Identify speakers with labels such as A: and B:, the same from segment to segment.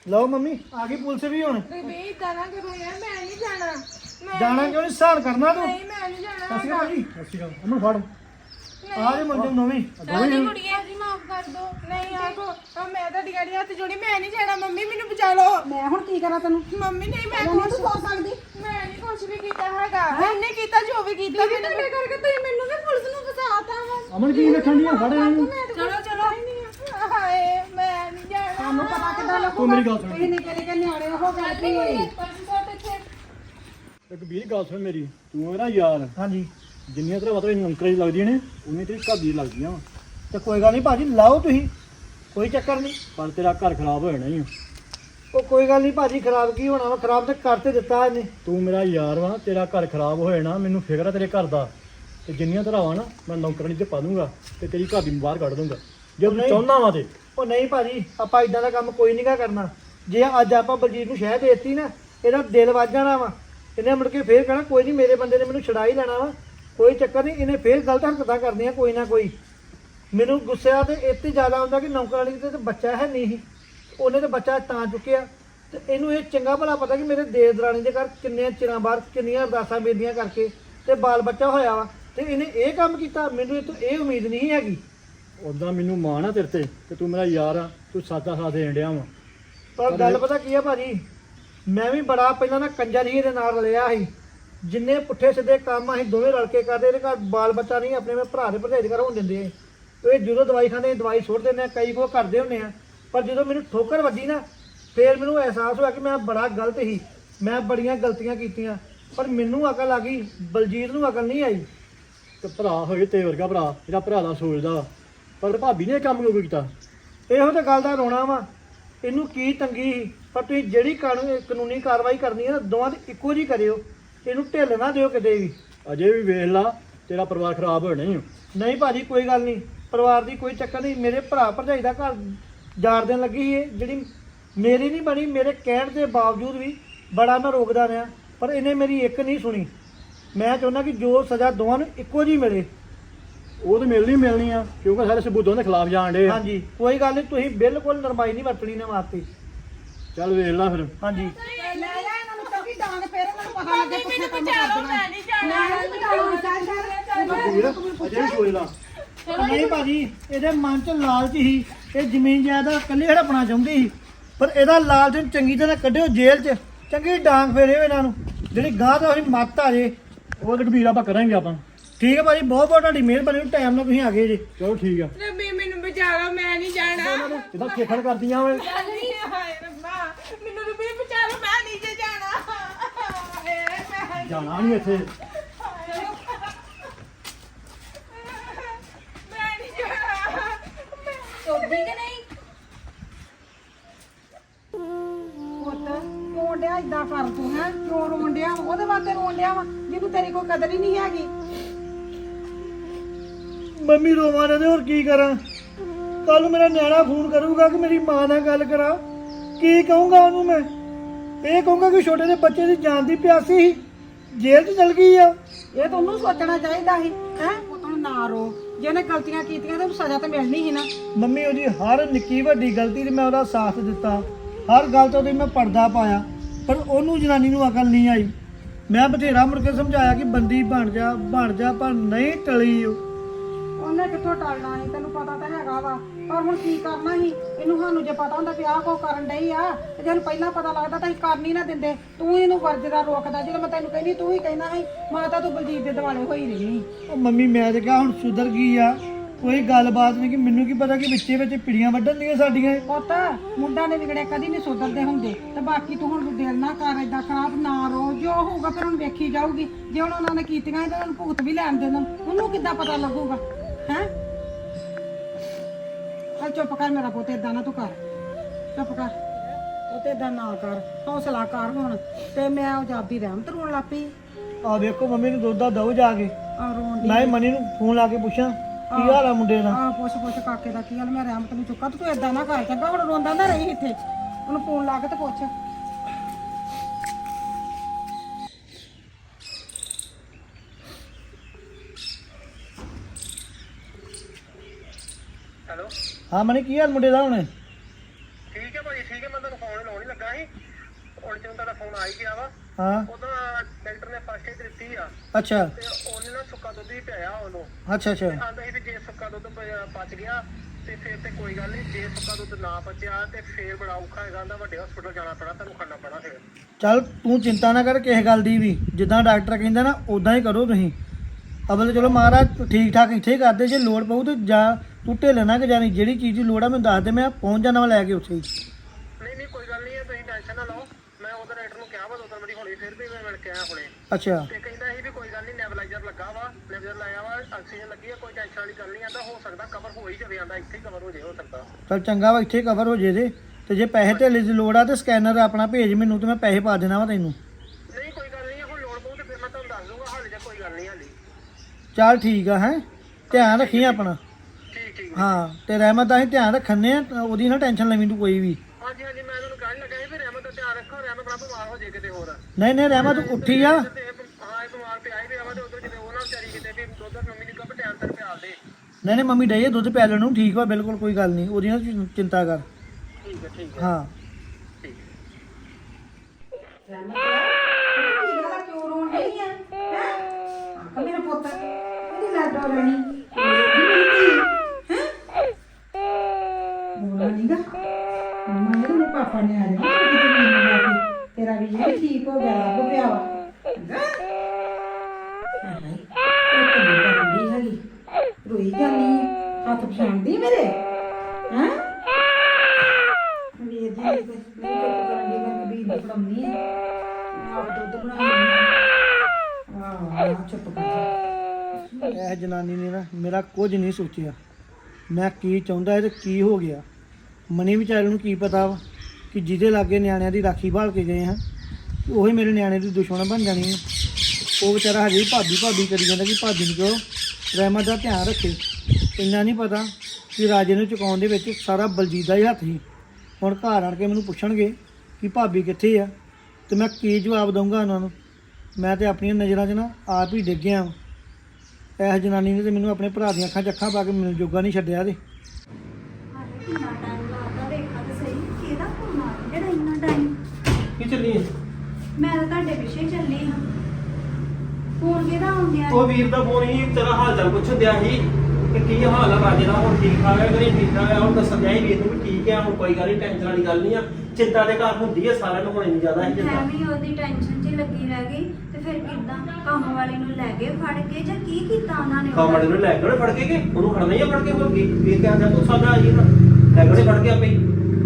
A: ਲਓ ਮੰਮੀ ਆ ਗਈ ਪੁਲਿਸ ਵੀ ਹੁਣ।
B: ਬੇਬੀ ਇਦਾਂ ਨਾ ਕਰੋ ਯਾਰ, ਮੈਂ ਨਹੀਂ ਜਾਣਾ।
A: ਜਾਣਾ ਕਿਉਂ ਨਹੀਂ? ਸਹਾਰ ਕਰਨਾ ਤੂੰ।
B: ਨਹੀਂ ਮੈਂ ਨਹੀਂ ਜਾਣਾ।
A: ਸਤਿ ਸ਼੍ਰੀ ਅਕਾਲ ਜੀ। ਸਤਿ ਸ਼੍ਰੀ ਅਕਾਲ। ਉਹਨੂੰ ਫੜ ਆ ਜੇ ਮੁੰਡੇ ਨਵੀਂ
B: ਸਾਡੀ ਕੁੜੀਆਂ ਜੀ ਮਾਫ ਕਰ ਦੋ। ਨਹੀਂ ਆਖੋ ਮੈਂ ਤੁਹਾਡੀ ਗਾੜੀ ਹੱਥ ਜੋੜੀ, ਮੈਂ ਨਹੀਂ ਜਾਣਾ। ਮੰਮੀ ਮੈਨੂੰ ਬਚਾ ਲਓ।
C: ਮੈਂ ਹੁਣ ਕੀ ਕਰਾਂ ਤੈਨੂੰ?
B: ਮੰਮੀ ਨਹੀਂ, ਮੈਂ
C: ਨਹੀਂ
B: ਕੁਛ
C: ਤੂੰ ਸੋਚ ਸਕਦੀ।
B: ਮੈਂ ਨਹੀਂ ਕੁਛ ਵੀ ਕੀਤਾ ਹੈਗਾ। ਇਹਨੇ ਕੀਤਾ ਜੋ ਵੀ ਕੀਤਾ। ਮੈਨੂੰ ਤੁਹਾਡੇ ਕਰਕੇ ਤੁਸੀਂ ਮੈਨੂੰ ਵੀ ਪੁਲਿਸ ਨੂੰ ਫਸਾਤਾ ਵਾ।
A: ਅਮਨ ਕੀ ਵੇਖਣ ਦੀਆਂ ਫੜ ਇਹਨੂੰ।
B: ਚਲੋ ਚਲੋ। ਹਾਏ ਮੈਂ ਨਹੀਂ ਜਾਣਾ।
C: ਸਾਨੂੰ ਪਤਾ ਕਿੱਦਾਂ ਲੱਗੂਗਾ?
A: ਤੂੰ ਮੇਰੀ ਗੱਲ ਸੁਣ।
C: ਤੁਸੀਂ ਨਿੱਕੇ ਨਿੱਕੇ ਨਿਆਣੇ ਉਹ ਕਰਦੀ
A: ਇੱਕ ਵੀਰ ਗੱਲ ਸੁਣ ਮੇਰੀ, ਤੂੰ ਮੇਰਾ ਯਾਰ। ਹਾਂਜੀ ਜਿੰਨੀਆਂ ਤੇਰਾ ਮਤਲਬ ਨੌਕਰੀ ਲੱਗਦੀਆਂ ਨੇ ਉਨੀਆਂ ਤੇਰੀ ਘਰ ਦੀ ਲੱਗਦੀਆਂ ਵਾ। ਤੇ ਕੋਈ ਗੱਲ ਨਹੀਂ ਭਾਜੀ, ਲਾਓ ਤੁਸੀਂ, ਕੋਈ ਚੱਕਰ ਨਹੀਂ। ਪਰ ਤੇਰਾ ਘਰ ਖਰਾਬ ਹੋ ਜਾਣਾ ਹੀ। ਉਹ ਕੋਈ ਗੱਲ ਨਹੀਂ ਭਾਜੀ, ਖਰਾਬ ਕੀ ਹੋਣਾ ਵਾ? ਖਰਾਬ ਤਾਂ ਕਰ ਤੇ ਦਿੱਤਾ ਇਹਨੇ। ਤੂੰ ਮੇਰਾ ਯਾਰ ਵਾ, ਤੇਰਾ ਘਰ ਖਰਾਬ ਹੋ ਜਾਣਾ, ਮੈਨੂੰ ਫਿਕਰ ਆ ਤੇਰੇ ਘਰ ਦਾ। ਤੇ ਜਿੰਨੀਆਂ ਤੇਰਾ ਵਾ ਨਾ ਮੈਂ ਨੌਕਰਾਨੀ ਤੇ ਪਾ ਦੂੰਗਾ ਤੇ ਤੇਰੀ ਘਰ ਦੀ ਬਾਹਰ ਕੱਢ ਦੂੰਗਾ ਜੇ ਤੂੰ ਚਾਹੁੰਦਾ ਵਾ ਤੇ। ਉਹ ਨਹੀਂ ਭਾਜੀ, ਆਪਾਂ ਇਦਾਂ ਦਾ ਕੰਮ ਕੋਈ ਨਹੀਂਗਾ ਕਰਨਾ। ਜੇ ਅੱਜ ਆਪਾਂ ਬਲਜੀਤ ਨੂੰ ਸ਼ਹਿ ਦੇਤੀ ਨਾ, ਇਹਦਾ ਦਿਲ ਵੱਜ ਜਾਣਾ ਵਾ। ਇਹਨੇ ਮੁੜ ਕੇ ਫੇਰ ਕਹਿਣਾ ਕੋਈ ਨਹੀਂ, ਮੇਰੇ ਬੰਦੇ ਨੇ ਮੈਨੂੰ ਛੁਡਾ ਹੀ ਲੈਣਾ ਵਾ। ਕੋਈ ਚੱਕਰ ਨਹੀਂ, ਇਹਨੇ ਫੇਰ ਗਲਤ ਹਰਕਤਾਂ ਕਰਨੀਆਂ ਕੋਈ ਨਾ ਕੋਈ। ਮੈਨੂੰ ਗੁੱਸਾ ਤੇ ਇੱਥੇ ਜ਼ਿਆਦਾ ਹੁੰਦਾ ਕਿ ਨੌਕਰਾਨੀ ਤੇ ਬੱਚਾ ਹੈ ਨਹੀਂ ਸੀ, ਉਹਨੇ ਤੇ ਬੱਚਾ ਤਾਂ ਚੁੱਕਿਆ। ਤੇ ਇਹਨੂੰ ਇਹ ਚੰਗਾ ਭਲਾ ਪਤਾ ਕਿ ਮੇਰੇ ਦੇਰ ਦਰਾਣੀ ਦੇ ਘਰ ਕਿੰਨੇ ਚਿਰਾਂ ਬਾਅਦ ਕਿੰਨੀਆਂ ਅਰਦਾਸਾਂ ਬੇਦੀਆਂ ਕਰਕੇ ਤੇ ਬਾਲ ਬੱਚਾ ਹੋਇਆ ਵਾ, ਤੇ ਇਹਨੇ ਇਹ ਕੰਮ ਕੀਤਾ। ਮੈਨੂੰ ਇਹ ਤੋਂ ਇਹ ਉਮੀਦ ਨਹੀਂ ਹੈਗੀ। ਉਦਾਂ ਮੈਨੂੰ ਮਾਣ ਆ ਤੇਰੇ ਤੇ ਤੂੰ ਮੇਰਾ ਯਾਰ ਆ, ਤੂੰ ਸਾਦਾ ਸਾਥ ਦੇਣ ਡਿਆ ਵਾ। ਪਰ ਗੱਲ ਪਤਾ ਕੀ ਆ ਭਾਜੀ, ਮੈਂ ਵੀ ਬੜਾ ਪਹਿਲਾਂ ਨਾ ਕੰਜਰ ਹੀ ਇਹਦੇ ਨਾਲ ਰਲਿਆ ਸੀ। ਜਿੰਨੇ ਪੁੱਠੇ ਸਿੱਧੇ ਕੰਮ ਅਸੀਂ ਦੋਵੇਂ ਰਲ ਕੇ ਕਰਦੇ, ਇਹਦੇ ਘਰ ਬਾਲ ਬੱਚਾ ਨਹੀਂ ਆਪਣੇ ਮੈਂ ਭਰਾ ਦੇ ਭਰਜਾਈ ਦੇ ਘਰ ਹੋਣ ਦਿੰਦੇ ਆ। ਇਹ ਜਦੋਂ ਦਵਾਈ ਖਾਂਦੇ ਦਵਾਈ ਸੁੱਟ ਦਿੰਦੇ ਆ, ਕਈ ਕੋ ਕਰਦੇ ਹੁੰਦੇ ਆ। ਪਰ ਜਦੋਂ ਮੈਨੂੰ ਠੋਕਰ ਵੱਜੀ ਨਾ, ਫੇਰ ਮੈਨੂੰ ਅਹਿਸਾਸ ਹੋਇਆ ਕਿ ਮੈਂ ਬੜਾ ਗਲਤ ਸੀ, ਮੈਂ ਬੜੀਆਂ ਗਲਤੀਆਂ ਕੀਤੀਆਂ। ਪਰ ਮੈਨੂੰ ਅਕਲ ਆ ਗਈ, ਬਲਜੀਤ ਨੂੰ ਅਕਲ ਨਹੀਂ ਆਈ। ਤੇ ਭਰਾ ਹੋਏ ਤੇ ਵਰਗਾ ਭਰਾ, ਜਿਹੜਾ ਭਰਾ ਦਾ ਸੋਚਦਾ। ਪਰ ਭਾਬੀ ਨੇ ਇਹ ਕੰਮ ਕਿਉਂ ਕੀਤਾ? ਇਹੋ ਤਾਂ ਗੱਲ ਦਾ ਰੋਣਾ ਵਾ। ਇਹਨੂੰ ਕੀ ਤੰਗੀ ਸੀ? ਪਰ ਤੁਸੀਂ ਜਿਹੜੀ ਕਾਨੂੰਨੀ ਕਾਰਵਾਈ ਕਰਨੀ ਹੈ ਨਾ, ਦੋਵਾਂ ਦੀ ਇੱਕੋ ਜਿਹੀ ਕਰਿਓ। ਇਹਨੂੰ ਢਿੱਲ ਨਾ ਦਿਓ ਕਿਤੇ ਵੀ। ਅਜੇ ਵੀ ਵੇਖ ਲਾ, ਤੇਰਾ ਪਰਿਵਾਰ ਖਰਾਬ ਹੋ ਜਾਣਾ ਹੀ। ਨਹੀਂ ਭਾਜੀ ਕੋਈ ਗੱਲ ਨਹੀਂ, ਪਰਿਵਾਰ ਦੀ ਕੋਈ ਚੱਕਰ ਨਹੀਂ। ਮੇਰੇ ਭਰਾ ਭਰਜਾਈ ਦਾ ਘਰ ਜਾੜ ਦੇਣ ਲੱਗੀ ਸੀ ਇਹ, ਜਿਹੜੀ ਮੇਰੀ ਨਹੀਂ ਬਣੀ। ਮੇਰੇ ਕਹਿਣ ਦੇ ਬਾਵਜੂਦ ਵੀ ਬੜਾ ਮੈਂ ਰੋਕਦਾ ਰਿਹਾ, ਪਰ ਇਹਨੇ ਮੇਰੀ ਇੱਕ ਨਹੀਂ ਸੁਣੀ। ਮੈਂ ਚਾਹੁੰਦਾ ਕਿ ਜੋ ਸਜ਼ਾ ਦੋਵਾਂ ਨੂੰ ਇੱਕੋ ਜਿਹੀ ਮਿਲੇ। ਉਹ ਤਾਂ ਮਿਲਣੀ ਆ, ਕਿਉਂਕਿ ਸਾਰੇ ਸਬੂਤ ਉਹਦੇ ਖਿਲਾਫ ਜਾਣ ਡੇ। ਹਾਂਜੀ ਕੋਈ ਗੱਲ ਨਹੀਂ, ਤੁਸੀਂ ਬਿਲਕੁਲ ਨਰਮਾਈ ਨਹੀਂ ਵਰਤਣੀ ਨੇ ਵਾਸਤੇ। ਚੱਲ ਵੇਖ ਲਾ ਫਿਰ। ਹਾਂਜੀ
C: ਲੈ ਜਾ ਇਹਨਾਂ ਨੂੰ ਚੌਕੀ ਡਾਂਗ, ਫੇਰ ਇਹਨਾਂ ਨੂੰ ਪਤਾ ਲੱਗੇ ਪੁੱਛੇ ਕੰਮ ਕਰਦੇ ਨੇ।
B: ਮੈਂ ਨਹੀਂ ਜਾਣਾ।
A: ਵੀਰ ਅਜੇ ਵੀ ਸੋਚ ਲਾ। ਨਹੀਂ ਭਾਜੀ, ਇਹਦੇ ਮਨ 'ਚ ਲਾਲਚ ਸੀ, ਇਹ ਜ਼ਮੀਨ ਜਾਇਦਾਦ ਇਕੱਲੇ ਹੜਪਣਾ ਚਾਹੁੰਦੀ ਸੀ। ਪਰ ਇਹਦਾ ਲਾਲਚ ਚੰਗੀ ਤਰ੍ਹਾਂ ਕੱਢਿਓ ਜੇਲ੍ਹ 'ਚ, ਚੰਗੀ ਡਾਂਗ ਫੇਰਿਓ ਇਹਨਾਂ ਨੂੰ, ਜਿਹੜੀ ਗਾਂ ਤਾਂ ਉਹਦੀ ਮੱਤ ਆ ਜੇ। ਉਹ ਰਘਬੀਰ ਆਪਾਂ ਕਰਾਂਗੇ ਆਪਾਂ। ਠੀਕ ਹੈ ਭਾਜੀ, ਬਹੁਤ ਬਹੁਤ ਤੁਹਾਡੀ ਮਿਹਰਬਾਨੀ। ਟਾਈਮ ਨਾਲ ਤੁਸੀਂ ਆ ਗਏ ਜੀ। ਚਲੋ ਠੀਕ ਆ।
B: ਰੱਬੀ ਮੈਨੂੰ ਬਚਾ ਲਓ, ਮੈਂ ਨਹੀਂ ਜਾਣਾ।
A: ਇਹਦਾ ਖੇਖਣ ਕਰਦੀਆਂ ਓਏ।
B: ਹਾਏ ਰੱਬਾ, ਮੈਨੂੰ ਰੱਬੀ ਬਚਾ ਲਓ, ਮੈਂ ਨਹੀਂ ਜੇ ਜਾਣਾ। ਹਾਏ ਮੈਂ
A: ਜਾਣਾ ਨਹੀਂ ਇੱਥੇ।
B: ਨਹੀਂ ਜਾਣਾ।
C: ਸੋਦੀ ਕਿ ਨਹੀਂ? ਪੁੱਤ ਰੋਣ ਡਿਆ ਇਦਾਂ ਕਰ ਤੂੰ ਹੈ? ਕਿਉਂ ਰੋਣ ਡਿਆ? ਉਹਦੇ ਵਾਸਤੇ ਰੋਣ ਡਿਆ ਵਾ ਜਿਹਨੂੰ ਤੇਰੀ ਕੋਈ ਕਦਰ ਹੀ ਨਹੀਂ ਹੈਗੀ।
A: ਮੰਮੀ ਰੋਵਾਂ ਨੇ ਤੇ ਹੋਰ ਕੀ ਕਰਾਂ? ਕੱਲ ਨੂੰ ਮੇਰਾ ਨਿਆਣਾ ਫੋਨ ਕਰੂਗਾ ਕਿ ਮੇਰੀ ਮਾਂ ਨਾਲ ਗੱਲ ਕਰਾ, ਕੀ ਕਹੂੰਗਾ ਉਹਨੂੰ ਮੈਂ? ਇਹ ਕਹੂੰਗਾ ਕਿ ਛੋਟੇ ਜਿਹੇ ਬੱਚੇ ਦੀ ਜਾਨ ਦੀ ਪਿਆਸੀ ਸੀ, ਜੇਲ੍ਹ 'ਚ ਚਲ ਗਈ ਆ।
C: ਇਹ ਤਾਂ ਉਹਨੂੰ ਸੋਚਣਾ ਚਾਹੀਦਾ ਸੀ ਹੈ। ਪੁੱਤ ਨੂੰ ਨਾ ਰੋ, ਜੇ ਉਹਨੇ ਗਲਤੀਆਂ ਕੀਤੀਆਂ ਤੇ ਉਹਨੂੰ ਸਜ਼ਾ ਤਾਂ ਮਿਲਣੀ ਸੀ ਨਾ।
A: ਮੰਮੀ ਉਹਦੀ ਹਰ ਨਿੱਕੀ ਵੱਡੀ ਗਲਤੀ ਤੇ ਮੈਂ ਉਹਦਾ ਸਾਥ ਦਿੱਤਾ, ਹਰ ਗੱਲ ਤੋਂ ਉਹਦੀ ਮੈਂ ਪਰਦਾ ਪਾਇਆ, ਪਰ ਉਹਨੂੰ ਜਨਾਨੀ ਨੂੰ ਅਕਲ ਨਹੀਂ ਆਈ। ਮੈਂ ਬਥੇਰਾ ਮੁੜ ਕੇ ਸਮਝਾਇਆ ਕਿ ਬੰਦੀ ਬਣ ਜਾ, ਪਰ ਨਹੀਂ ਟਲੀ ਉਹ।
C: ਉਹਨੇ ਕਿੱਥੋਂ ਟਲਣਾ ਸੀ? ਤੈਨੂੰ ਪਤਾ ਤਾਂ ਹੈਗਾ ਵਾ। ਪਰ ਹੁਣ ਕੀ ਕਰਨਾ ਸੀ? ਇਹਨੂੰ ਸਾਨੂੰ ਜੇ ਪਤਾ ਹੁੰਦਾ ਕਿ ਆਹ ਕੋ ਕਰਨ ਡਈ ਆ, ਤੇ ਜੇ ਇਹਨੂੰ ਪਹਿਲਾਂ ਪਤਾ ਲੱਗਦਾ ਤਾਂ ਅਸੀਂ ਕਰਨ ਹੀ ਨਾ ਦਿੰਦੇ। ਤੂੰ ਇਹਨੂੰ ਵਰਜਦਾ ਰੋਕਦਾ। ਜਦੋਂ ਮੈਂ ਤੈਨੂੰ ਕਹਿੰਦੀ ਤੂੰ ਹੀ ਕਹਿਣਾ ਸੀ ਮਾਤਾ ਤੂੰ ਬਲਜੀਤ ਦੇ ਦਿਵਾਲੇ ਹੋਈ ਰਹੀ।
A: ਉਹ ਮੰਮੀ ਮੈਂ ਤੇ ਕਿਹਾ ਹੁਣ ਸੁਧਰ ਗਈ ਆ, ਕੋਈ ਗੱਲਬਾਤ ਨਹੀਂ। ਕਿ ਮੈਨੂੰ ਕੀ ਪਤਾ ਕਿ ਵਿੱਚ ਪਿੜੀਆਂ ਵੱਢਣ ਦੀਆਂ ਸਾਡੀਆਂ।
C: ਪੁੱਤ ਮੁੰਡਾ ਨੇ ਵਿਗੜਿਆ ਕਦੀ ਨਹੀਂ ਸੁਧਰਦੇ ਹੁੰਦੇ। ਤੇ ਬਾਕੀ ਤੂੰ ਹੁਣ ਦਿਲ ਨਾ ਕਰ ਏਦਾਂ ਖਰਾਬ, ਨਾ ਰੋ। ਜੋ ਹੋਊਗਾ ਫਿਰ ਹੁਣ ਵੇਖੀ ਜਾਊਗੀ। ਜੇ ਹੁਣ ਉਹਨਾਂ ਨੇ ਕੀਤੀਆਂ ਤਾਂ ਉਹਨਾਂ ਨੂੰ ਭੁਗਤ ਵੀ ਲੈਣ ਦੇਣਾ। ਉਹਨੂੰ ਕਿੱਦਾਂ ਪਤਾ ਲੱਗੂਗਾ ਹੈ? ਚੱਲ ਚੁੱਪ ਕਰ ਮੇਰਾ ਪੁੱਤ, ਏਦਾਂ ਨਾ ਤੂੰ ਕਰ। ਚੁੱਪ ਕਰ ਪੁੱਤ, ਏਦਾਂ ਨਾ ਕਰ, ਹੌਸਲਾ ਕਰ ਹੁਣ। ਤੇ ਮੈਂ ਉਹ ਜਾਬੀ ਰਹਿਮਤ ਰੋਣ ਲੱਗ ਪਈ।
A: ਆ ਵੇਖੋ ਮੰਮੀ ਨੂੰ ਦੁੱਧ ਦਾ ਦਓ ਜਾ ਕੇ।
C: ਆ ਰੋਣ ਦੀ
A: ਮੈਂ ਮਨੀ ਨੂੰ ਫੋਨ ਲਾ ਕੇ ਪੁੱਛਾਂ ਕੀ ਹਾਲ ਆ ਮੁੰਡੇ ਦਾ।
C: ਆ ਪੁੱਛ ਕਾਕੇ ਦਾ ਕੀ ਹਾਲ। ਮੈਂ ਰਹਿਮਤ ਨੂੰ ਚੁੱਕਾ ਤੂੰ ਏਦਾਂ ਨਾ ਕਰ ਚੰਗਾ। ਹੁਣ ਰੋਂਦਾ ਨਾ ਰਹੀ ਇੱਥੇ, ਉਹਨੂੰ ਫੋਨ ਲਾ ਕੇ ਤੇ ਪੁੱਛ।
D: ਹੈਲੋ,
A: ਹਾਂ ਮਨੀ ਕੀ ਹਾਲ ਮੁੰਡੇ ਦਾ ਹੁਣ?
D: ਠੀਕ ਹੈ ਭਾਜੀ, ਠੀਕ ਹੈ, ਮੈਂ ਤੁਹਾਨੂੰ ਫੋਨ ਲਾਉਣ ਹੀ ਲੱਗਾ ਸੀ। ਹੁਣ ਜਦੋਂ ਤੁਹਾਡਾ ਫੋਨ ਆ ਹੀ ਗਿਆ ਵਾ,
A: ਹਾਂ
D: ਉਹਦਾ ਡਾਕਟਰ ਨੇ ਫਸਟ ਏਡ ਦਿੱਤੀ ਆ
A: ਅੱਛਾ
D: ਤੇ ਉਹਨੇ ਨਾ ਸੁੱਕਾ ਦੁੱਧ ਹੀ ਪਿਆਇਆ ਉਹਨੂੰ।
A: ਅੱਛਾ ਅੱਛਾ
D: ਆਂਦਾ ਸੀ ਵੀ ਜੇ ਸੁੱਕਾ ਦੁੱਧ ਪਚ ਗਿਆ ਤੇ ਫਿਰ ਤੇ ਕੋਈ ਗੱਲ ਨਹੀਂ, ਜੇ ਸੁੱਕਾ ਦੁੱਧ ਨਾ ਪਚਿਆ ਤੇ ਫੇਰ ਬੜਾ ਔਖਾ ਹੈਗਾ, ਆਂਦਾ ਵੱਡੇ ਹਸਪੀਟਲ ਜਾਣਾ ਪੈਣਾ, ਤੁਹਾਨੂੰ ਖੜਨਾ ਪੈਣਾ ਫਿਰ।
A: ਚੱਲ ਤੂੰ ਚਿੰਤਾ ਨਾ ਕਰ ਕਿਸੇ ਗੱਲ ਦੀ ਵੀ, ਜਿੱਦਾਂ ਡਾਕਟਰ ਕਹਿੰਦਾ ਨਾ ਉਦਾਂ ਹੀ ਕਰੋ ਤੁਸੀਂ। ਅਵਲ ਚਲੋ ਮਹਾਰਾਜ ਠੀਕ ਠਾਕ ਇੱਥੇ ਹੀ ਕਰਦੇ, ਜੇ ਲੋੜ ਪਊ ਤੇ ਜਾਂ ਤੂੰ ਢਿੱਲ ਨਾ ਕਿ ਜਾਣੀ, ਜਿਹੜੀ ਚੀਜ਼ ਦੀ ਲੋੜ ਆ ਮੈਨੂੰ ਦੱਸ ਦੇ, ਮੈਂ ਪਹੁੰਚ ਜਾਣਾ ਵਾ ਲੈ ਕੇ ਉੱਥੇ ਹੀ।
D: ਨਹੀਂ ਕੋਈ ਗੱਲ ਨਹੀਂ, ਤੁਸੀਂ ਟੈਨਸ਼ਨ ਨਾ ਲਓ। ਮੈਂ ਉਹਦਾ ਡਾਕਟਰ ਨੂੰ ਕਿਹਾ ਵਾ 2-3 ਵਾਰੀ, ਹੁਣੇ ਫਿਰ ਵੀ ਮੈਂ ਮਿਲ ਕੇ ਆਇਆ ਹੁਣੇ,
A: ਅੱਛਾ
D: ਤੇ ਕਹਿੰਦਾ ਸੀ ਵੀ ਕੋਈ ਗੱਲ ਨਹੀਂ, ਨੈਬਲਾਈਜ਼ਰ ਲੱਗਾ ਵਾ, ਨੈਬਲਾਈਜ਼ਰ ਲਾਇਆ ਵਾ, ਆਕਸੀਜਨ ਲੱਗੀ ਆ, ਕੋਈ ਟੈਨਸ਼ਨ ਵਾਲੀ ਗੱਲ ਨਹੀਂ। ਆਂਦਾ ਹੋ ਸਕਦਾ ਕਵਰ ਹੋ ਹੀ ਜਾਵੇ, ਆਂਦਾ ਇੱਥੇ ਹੀ ਕਵਰ ਹੋ ਜੇ, ਹੋ ਸਕਦਾ।
A: ਚੱਲ ਚੰਗਾ ਵਾ, ਇੱਥੇ ਕਵਰ ਹੋ ਜੇ ਤੇ ਜੇ ਪੈਸੇ ਢੇਲੇ ਦੀ ਲੋੜ ਆ ਤੇ ਸਕੈਨਰ ਆਪਣਾ ਭੇਜ ਮੈਨੂੰ, ਤੇ ਮੈਂ ਪੈਸੇ ਪਾ ਦੇਣਾ ਵਾ ਤੈਨੂੰ।
D: ਨਹੀਂ ਕੋਈ ਗੱਲ ਨਹੀਂ, ਹੁਣ ਲੋੜ ਪਊ ਤੇ ਫਿਰ ਮੈਂ ਤੁਹਾਨੂੰ ਦੱਸ ਦੂੰਗਾ, ਹਾਲੇ ਜਾਂ ਕੋਈ ਗੱਲ ਨਹੀਂ ਹਾਲੇ।
A: ਚੱਲ ਠੀਕ ਆ, ਹੈ ਧਿਆਨ ਰੱਖੀ ਆਪਣਾ।
D: ਠੀਕ
A: ਹਾਂ ਤੇ ਰਹਿਮਤ ਦਾ ਹੀ ਧਿਆਨ ਰੱਖਣੇ ਆ, ਉਹਦੀ ਨਾ ਟੈਨਸ਼ਨ ਲਵੀਂ ਤੂੰ ਕੋਈ ਵੀ।
D: ਹਾਂਜੀ ਮੈਂ ਇਹਨਾਂ ਨੂੰ ਕਹਿਣ ਲੱਗਾ ਸੀ ਵੀ ਰਹਿਮਤ ਦਾ ਧਿਆਨ ਰੱਖੋ, ਰਹਿਮਤ ਬੜਾ ਬਿਮਾਰ ਹੋ ਜੇ ਕਿਤੇ ਹੋਰ।
A: ਨਹੀਂ ਨਹੀਂ ਰਹਿਮਤ ਉੱਠੀ ਆ।
D: ਹਾਂ ਇਹ ਬਿਮਾਰ ਪਿਆ ਹੀ ਪਿਆ ਵਾ, ਤੇ ਉਧਰ ਕਿਤੇ ਉਹ ਨਾ ਵਿਚਾਰੀ ਕਿਤੇ ਵੀ ਦੁੱਧ ਮੰਮੀ ਨੂੰ ਕੱਪ ਟਾਈਮ ਸਿਰ ਪਿਆਲ ਦੇ।
A: ਨਹੀਂ ਨਹੀਂ ਮੰਮੀ ਡਈ ਆ ਦੁੱਧ ਪਿਆ ਲੈਣ ਨੂੰ, ਠੀਕ ਵਾ ਬਿਲਕੁਲ, ਕੋਈ ਗੱਲ ਨਹੀਂ, ਉਹਦੀ ਨਾ ਚਿੰਤਾ ਕਰ।
D: ਠੀਕ ਹੈ
A: ਹਾਂ
D: ਠੀਕ।
C: ਕਿਉਂ ਰੋਣ ਡਈ ਆ ਹੈ? ਆਖਾ ਮੇਰਾ ਪੁੱਤ ਉਹਦੀ ਲਾਡੋ ਰਾਣੀ ਬੋਲਾ ਨੀਗਾ ਮੰਮਾ ਨੇ ਮੇਰੇ ਪਾਪਾ ਨੇ ਆ ਜਾਣਾ, ਤੇਰਾ ਵੀ ਜੀ ਠੀਕ ਹੋ ਗਿਆ, ਲੱਭ ਪਿਆ ਵਾ ਹੈਗੀ, ਰੋਈ ਜਾਨੀ ਹੱਥ ਪਛਾਣਦੀ ਮੇਰੇ ਹੈ ਵੀਰ ਜੀ ਮੈਂ ਚੁੱਪ ਕਰਨ ਦੀ ਮੈਂ ਵੀ ਨਹੀਂ ਪੜਾਉਣੀ ਹੈ, ਮੈਂ ਆਪ ਦੁੱਧ ਬਣਾਉਣੀ ਆਹ ਚੁੱਪ ਕਰ ਜਾ।
A: ਇਹ ਜਨਾਨੀ ਨੇ ਨਾ ਮੇਰਾ ਕੁਝ ਨਹੀਂ ਸੋਚਿਆ, ਮੈਂ ਕੀ ਚਾਹੁੰਦਾ ਹੈ ਤੇ ਕੀ ਹੋ ਗਿਆ। ਮਨੀ ਵਿਚਾਰੇ ਨੂੰ ਕੀ ਪਤਾ ਵਾ ਕਿ ਜਿਹਦੇ ਲਾਗੇ ਨਿਆਣਿਆਂ ਦੀ ਰਾਖੀ ਭਾਲ ਕੇ ਗਏ ਹਾਂ ਉਹੀ ਮੇਰੇ ਨਿਆਣੇ ਦੀ ਦੁਸ਼ਮਣ ਬਣ ਜਾਣੀ ਹੈ। ਉਹ ਵਿਚਾਰਾ ਹਜੇ ਵੀ ਭਾਬੀ ਕਰੀ ਜਾਂਦਾ ਕਿ ਭਾਬੀ ਨੂੰ ਕਹੋ ਰਹਿਮਤ ਦਾ ਧਿਆਨ ਰੱਖੇ। ਇੰਨਾ ਨਹੀਂ ਪਤਾ ਕਿ ਰਾਜੇ ਨੂੰ ਚੁਕਾਉਣ ਦੇ ਵਿੱਚ ਸਾਰਾ ਬਲਜੀਤ ਦਾ ਹੀ ਹੱਥ ਸੀ। ਹੁਣ ਘਰ ਆਣ ਕੇ ਮੈਨੂੰ ਪੁੱਛਣਗੇ ਕਿ ਭਾਬੀ ਕਿੱਥੇ ਆ ਤੇ ਮੈਂ ਕੀ ਜਵਾਬ ਦਊਂਗਾ ਉਹਨਾਂ ਨੂੰ। ਮੈਂ ਤੇ ਆਪਣੀਆਂ ਨਜ਼ਰਾਂ 'ਚ ਨਾ ਆਪ ਹੀ ਡਿੱਗ ਗਿਆ। ਇਹ ਜਨਾਨੀ ਨੇ ਤੇ ਮੈਨੂੰ ਆਪਣੇ ਭਰਾ ਦੀਆਂ ਅੱਖਾਂ 'ਚ ਅੱਖਾਂ ਪਾ ਕੇ ਮੈਨੂੰ ਜੋਗਾ ਨਹੀਂ ਛੱਡਿਆ ਤੇ।
E: ਕਿੰਨਾ ਟਾਈਮ ਲਾਤਾ, ਵੇਖਾ ਤਾਂ ਸਹੀ ਕਿਹਦਾ ਫੋਨ ਆ ਜਿਹੜਾ ਇੰਨਾ ਟਾਈਮ।
F: ਕੀ ਚੱਲੀ
E: ਮੈਂ ਤਾਂ ਤੁਹਾਡੇ ਪਿੱਛੇ ਚੱਲੀ ਹਾਂ। ਫੋਨ ਕਿਹਦਾ ਆਉਂਦਿਆ?
F: ਉਹ ਵੀਰ ਦਾ ਫੋਨ ਹੀ ਤੇਰਾ ਹਾਲ ਚਾਲ ਪੁੱਛਣ ਦਿਆ ਸੀ ਕਿ ਕੀ ਹਾਲ ਆ ਰਾਜੇ ਦਾ, ਹੁਣ ਠੀਕ ਠਾਕ ਹੈ ਕਿ ਨਹੀਂ ਠੀਕ ਠਾਕ ਹੈ। ਹੁਣ ਦੱਸਣ ਦਿਆ ਸੀ ਵੀਰ ਨੂੰ ਵੀ ਠੀਕ ਹੈ, ਹੁਣ ਕੋਈ ਗੱਲ ਨਹੀਂ, ਟੈਨਸ਼ਨ ਵਾਲੀ ਗੱਲ ਨਹੀਂ ਆ। ਚਿੰਤਾ ਦੇ ਘਰ ਹੁੰਦੀ ਹੈ ਸਾਰਿਆਂ ਨੂੰ, ਹੁਣ ਇੰਨੀ ਜ਼ਿਆਦਾ ਹੀ
E: ਮੈਂ
F: ਚਿੰਤਾ।
E: ਵੀ ਉਹਦੀ ਟੈਨਸ਼ਨ 'ਚ ਹੀ ਲੱਗੀ ਰਹਿ ਗਈ ਤੇ ਫਿਰ ਕਿੱਦਾਂ ਕੰਮ ਵਾਲੀ ਨੂੰ ਲੈ ਗਏ ਫੜ ਕੇ ਜਾਂ ਕੀ ਕੀਤਾ ਉਹਨਾਂ ਨੇ?
F: ਕਾਮੜੇ ਨੂੰ ਲੈ ਕੇ ਫੜ ਕੇ ਉਹਨੂੰ ਖੜਨਾ ਹੀ ਆ, ਫੜ ਕੇ ਹੋਰ ਕੀ ਵੀਰ ਕਹਿੰਦਾ ਤੂੰ ਸਾਡਾ ਆ ਜੀ ਨਾ ਲੈ ਕੇ ਫੜ ਕੇ ਆਪੇ ਹੀ।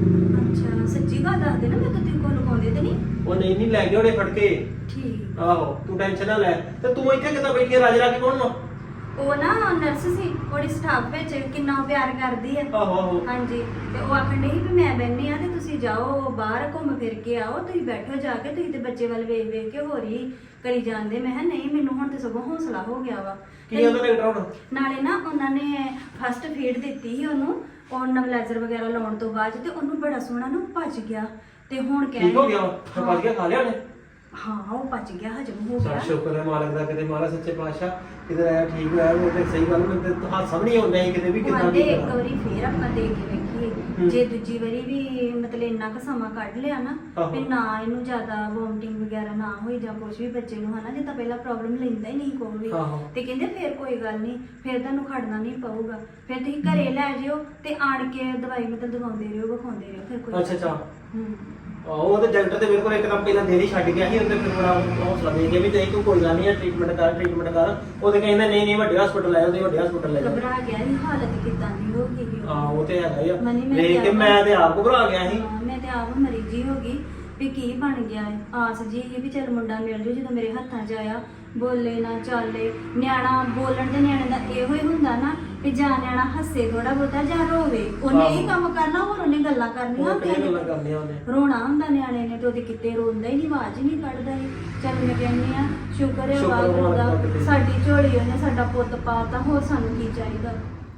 E: ਅੱਛਾ ਸੱਚੀ ਗੱਲ ਦੱਸ ਦੇ ਨਾ, ਮੈਂ ਤਾਂ ਤੇਰੇ ਕੋਲ ਲੁਕਾਉਂਦੇ ਤੇ ਨਹੀਂ।
F: ਉਹ ਨਹੀਂ ਲੈ ਕੇ ਉਹਨੇ ਫੜ ਕੇ।
E: ਠੀਕ।
F: ਆਹੋ ਤੂੰ ਟੈਨਸ਼ਨ ਨਾ ਲੈ। ਤੇ ਤੂੰ ਇੱਥੇ ਕਿੱਦਾਂ ਬੈਠੀ ਆ? ਰਾਜੇ ਰਾਜੀ ਕੌਣ ਵਾ?
E: ਉਹ ਨਾ ਨਰਸ ਸੀ, ਉਹਦੀ ਸਟਾਫ ਵਿੱਚ ਕਿੰਨਾ ਪਿਆਰ ਕਰਦੀ ਹੈ।
F: ਆਹੋ ਆਹੋ
E: ਹਾਂਜੀ ਤੇ ਉਹ ਆਖਣ ਡਈ ਸੀ ਵੀ ਮੈਂ ਬੈਠੀ ਆ ਤੇ ਤੁਸੀਂ ਜਾਓ ਬਾਹਰ ਘੁੰਮ ਫਿਰ ਕੇ ਆਓ, ਤੁਸੀਂ ਬੈਠੋ ਜਾ ਕੇ, ਤੁਸੀਂ ਤੇ ਬੱਚੇ ਵੱਲ ਵੇਖ ਵੇਖ ਕੇ ਹੋਰ ਹੀ ਕਰੀ ਜਾਂਦੇ। ਮੈਂ ਕਿਹਾ ਨਹੀਂ, ਮੈਨੂੰ ਹੁਣ ਤੇ ਸਗੋਂ ਹੌਸਲਾ ਹੋ ਗਿਆ ਵਾ।
F: ਕੀ ਉਹਦਾ ਡਾਕਟਰ ਹੁਣ?
E: ਨਾਲੇ ਨਾ ਉਹਨਾਂ ਨੇ ਫਸਟ ਫੀਡ ਦਿੱਤੀ ਸੀ ਉਹਨੂੰ, ਉਹ ਨਵਲਾਈਜ਼ਰ ਵਗੈਰਾ ਲਾਉਣ ਤੋਂ ਬਾਅਦ ਤੇ ਉਹਨੂੰ ਬੜਾ ਸੋਹਣਾ ਨਾ ਪਚ ਗਿਆ ਤੇ ਹੁਣ ਕਹਿ
F: ਠੀਕ ਹੋ ਗਿਆ? ਪਾ ਗਿਆ ਖਾ ਲਿਆ ਉਹਨੇ?
E: ਹਾਂ ਉਹ ਪਚ ਗਿਆ, ਹਜਮ ਹੋ
F: ਚੱਲ
E: ਗਿਆ।
F: ਸ਼ੁਕਰ ਹੈ ਮਾਲਕ ਦਾ, ਕਿਤੇ ਮਹਾਰਾਜ ਸੱਚੇ ਪਾਤਸ਼ਾਹ ਕਿਤੇ ਆਇਆ ਠੀਕ ਹੋਇਆ। ਉਹ ਤੇ ਸਹੀ ਗੱਲ, ਮੈਨੂੰ ਤੇ ਹਾਸਾ ਵੀ ਨਹੀਂ ਆਉਂਦਾ ਸੀ ਕਿਤੇ ਵੀ ਕਿੱਦਾਂ
E: ਕਹਿੰਦੇ
F: ਦੀ
E: ਇੱਕ ਵਾਰੀ ਫੇਰ ਆਪਾਂ ਦੇ ਕੇ ਵੇਖੀਏ, ਜੇ ਦੂਜੀ ਵਾਰੀ ਵੀ ਮਤਲਬ ਇੰਨਾ ਕੁ ਸਮਾਂ ਕੱਢ ਲਿਆ ਨਾ
F: ਆਹੋ।
E: ਵੀ ਨਾ ਇਹਨੂੰ ਜ਼ਿਆਦਾ ਵੋਮਟਿੰਗ ਵਗੈਰਾ ਨਾ ਹੋਈ ਜਾਂ ਕੁਝ ਵੀ ਬੱਚੇ ਨੂੰ ਹਨਾ, ਜੇ ਤਾਂ ਪਹਿਲਾਂ ਪ੍ਰੋਬਲਮ ਲੈਂਦਾ ਹੀ ਨਹੀਂ ਕੋਈ ਵੀ
F: ਆਹੋ।
E: ਤੇ ਕਹਿੰਦੇ ਫੇਰ ਕੋਈ ਗੱਲ ਨਹੀਂ, ਫੇਰ ਤੁਹਾਨੂੰ ਖੜਨਾ ਨਹੀਂ ਪਊਗਾ, ਫਿਰ ਤੁਸੀਂ ਘਰੇ ਲੈ ਜਿਓ ਤੇ ਆਣ ਕੇ ਦਵਾਈ ਮਤਲਬ ਦਵਾਉਂਦੇ ਰਹੋ, ਵਿਖਾਉਂਦੇ ਰਹੋ, ਫਿਰ ਕੋਈ
F: ਅੱਛਾ ਅੱਛਾ।
E: ਹੂੰ।
F: ਉਹ ਤੇ ਡਾਕਟਰ ਤੇ ਮੇਰੇ ਕੋਲ ਇੱਕਦਮ ਪਹਿਲਾਂ ਦੇਰੀ ਛੱਡ ਗਿਆ ਸੀ, ਉਹਦੇ ਫਿਰ ਬੜਾ ਹੌਸਲਾ ਦੇ ਗਿਆ ਵੀ ਤੇ ਤੂੰ ਕੋਈ ਗੱਲ ਨਹੀਂ, ਟ੍ਰੀਟਮੈਂਟ ਕਰ। ਉਹਦੇ ਕਹਿੰਦਾ ਨਹੀਂ ਵੱਡੇ ਹਸਪੀਟਲ ਲੈ, ਉਹਦੇ ਵੱਡੇ ਹਸਪੀਟਲ ਲੈ ਜਾ।
E: ਘਬਰਾ ਗਿਆ ਸੀ, ਹਾਲਤ ਕਿੱਦਾਂ ਦੀ ਹੋ ਗਈ ਸੀ।
F: ਹਾਂ ਉਹ ਤੇ ਹੈਗਾ ਹੀ ਆ।
E: ਮਨੀ ਮੈਂ
F: ਦੇਖ ਕੇ ਮੈਂ ਤੇ ਆਪ ਘਬਰਾ ਗਿਆ ਸੀ।
E: ਹਾਂ, ਮੈਂ ਤੇ ਆਪ ਮਰੀਜੀ ਹੋ ਗਈ ਵੀ ਕੀ ਬਣ ਗਿਆ ਹੈ। ਆਸ ਜੀ ਇਹ ਵੀ ਚੱਲ ਮੁੰਡਾ ਮਿਲ ਜੂ, ਜਦੋਂ ਮੇਰੇ ਹੱਥਾਂ 'ਚ ਆਇਆ ਬੋਲੇ ਨਾ ਚਾਲੇ। ਨਿਆਣਾ ਬੋਲਣ ਦੇ ਨਿਆਣੇ ਦਾ ਇਹੋ ਹੀ ਹੁੰਦਾ ਨਾ ਵੀ ਜਾਂ ਨਿਆਣਾ ਹੱਸੇ ਥੋੜਾ ਬਹੁਤਾ ਜਾਂ ਰੋਵੇ, ਉਹਨੇ ਇਹ ਕੰਮ ਕਰਨਾ, ਹੋਰ ਉਹਨੇ ਗੱਲਾਂ ਕਰਨੀਆਂ
F: ਉਹ ਕਿਹੜੀ ਗੱਲਾਂ ਕਰਨੀਆਂ ਉਹਨੇ?
E: ਰੋਣਾ ਹੁੰਦਾ ਨਿਆਣੇ ਨੇ ਤੇ ਉਹਦੇ ਕਿਤੇ ਰੋਂਦਾ ਹੀ ਨਹੀਂ, ਆਵਾਜ਼ ਹੀ ਨਹੀਂ ਕੱਢਦਾ ਸੀ। ਚੱਲ ਮੈਂ ਕਹਿੰਦੀ ਆ ਸ਼ੁਕਰ ਹੈ ਵਾਹਿਗੁਰੂ ਦਾ, ਸਾਡੀ ਝੋਲੀ ਉਹਨੇ ਸਾਡਾ ਪੁੱਤ ਪਾਤਾ, ਹੋਰ ਸਾਨੂੰ ਕੀ ਚਾਹੀਦਾ।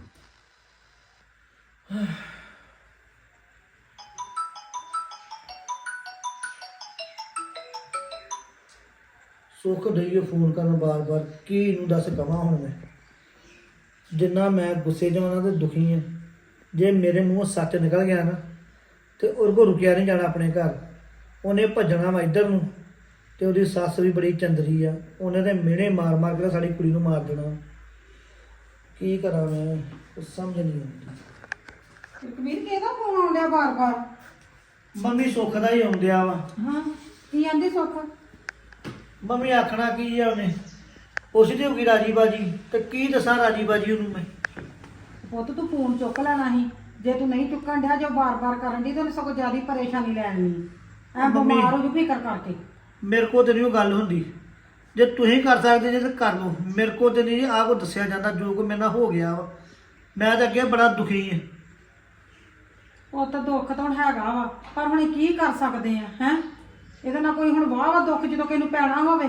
A: ਸੁੱਖ ਡਈਏ ਫੋਨ ਕਰਨ ਬਾਰ-ਬਾਰ, ਕੀ ਇਹਨੂੰ ਦੱਸ ਕਵਾਂ ਹੁਣ ਮੈਂ। ਜਿੰਨਾ ਮੈਂ ਗੁੱਸੇ 'ਚ ਉਹਨਾਂ ਤੇ ਦੁਖੀ ਆ, ਜੇ ਮੇਰੇ ਮੂੰਹੋਂ ਸੱਚ ਨਿਕਲ ਗਿਆ ਨਾ
G: ਤੇ ਉਹਦੇ ਕੋਲ ਰੁਕਿਆ ਨਹੀਂ ਜਾਣਾ ਆਪਣੇ ਘਰ। ਉਹਨੇ ਭੱਜਣਾ ਵਾ ਇੱਧਰ ਨੂੰ, ਤੇ ਉਹਦੀ ਸੱਸ ਵੀ ਬੜੀ ਚੰਦਰੀ ਆ, ਉਹਨੇ ਤੇ ਮਿਹਣੇ ਮਾਰ ਮਾਰ ਕੇ ਸਾਡੀ ਕੁੜੀ ਨੂੰ ਮਾਰ ਦੇਣਾ। ਕੀ ਕਰਾਂ ਮੈਂ, ਕੁਛ ਸਮਝ ਨਹੀਂ ਆਉਂਦੀ।
C: ਕਬੀਰ ਕਿਹਦਾ ਫੋਨ ਆਉਂਦਿਆ ਬਾਰ-ਬਾਰ?
G: ਮੰਮੀ ਸੁੱਖ ਦਾ ਹੀ ਆਉਂਦਿਆ ਵਾ।
C: ਹਾਂ ਕੀ ਆਂਦੀ ਸੁੱਖ?
G: ਮੰਮੀ ਆਖਣਾ ਕੀ ਆ ਉਹਨੇ, ਪੁੱਛਦੀ ਹੋਊਗੀ ਰਾਜੀ ਬਾਜੀ, ਤੇ ਕੀ ਦੱਸਾਂ ਰਾਜੀ ਬਾਜੀ ਉਹਨੂੰ ਮੈਂ।
C: ਪੁੱਤ ਤੂੰ ਫੋਨ ਚੁੱਕ ਲੈਣਾ ਸੀ, ਜੇ ਤੂੰ ਨਹੀਂ ਚੁੱਕਣ ਡਿਆ, ਜੋ ਬਾਰ-ਬਾਰ ਕਰਨ ਦੀ ਤੈਨੂੰ ਸਗੋਂ ਜ਼ਿਆਦਾ ਪਰੇਸ਼ਾਨੀ ਲੈਣੀ ਐ,
G: ਮੰਮੀ-
C: ਬਿਮਾਰ ਹੋ ਜੂ ਫਿਕਰ ਕਰਕੇ।
G: ਮੇਰੇ ਕੋਲ ਤੇ ਨਹੀਂ ਉਹ ਗੱਲ ਹੁੰਦੀ। ਜੇ ਤੁਸੀਂ ਕਰ ਸਕਦੇ ਜੇ ਤਾਂ ਕਰ ਲਓ, ਮੇਰੇ ਕੋਲ ਤੇ ਨਹੀਂ ਆਹ ਕੋ ਦੱਸਿਆ ਜਾਂਦਾ ਜੋ ਕੋ ਮੇਰੇ ਨਾਲ ਹੋ ਗਿਆ ਵਾ। ਮੈਂ ਤਾਂ ਅੱਗੇ ਬੜਾ ਦੁਖੀ ਹਾਂ।
C: ਉਹ ਤਾਂ ਦੁੱਖ ਤਾਂ ਹੁਣ ਹੈਗਾ ਵਾ, ਪਰ ਹੁਣ ਕੀ ਕਰ ਸਕਦੇ ਆ ਹੈ? ਇਹਦੇ ਨਾਲ ਕੋਈ ਹੁਣ ਵਾਹ ਵਾ ਦੁੱਖ ਜਦੋਂ ਕਿਸੇ ਨੂੰ ਪੈਣਾ ਹੋਵੇ।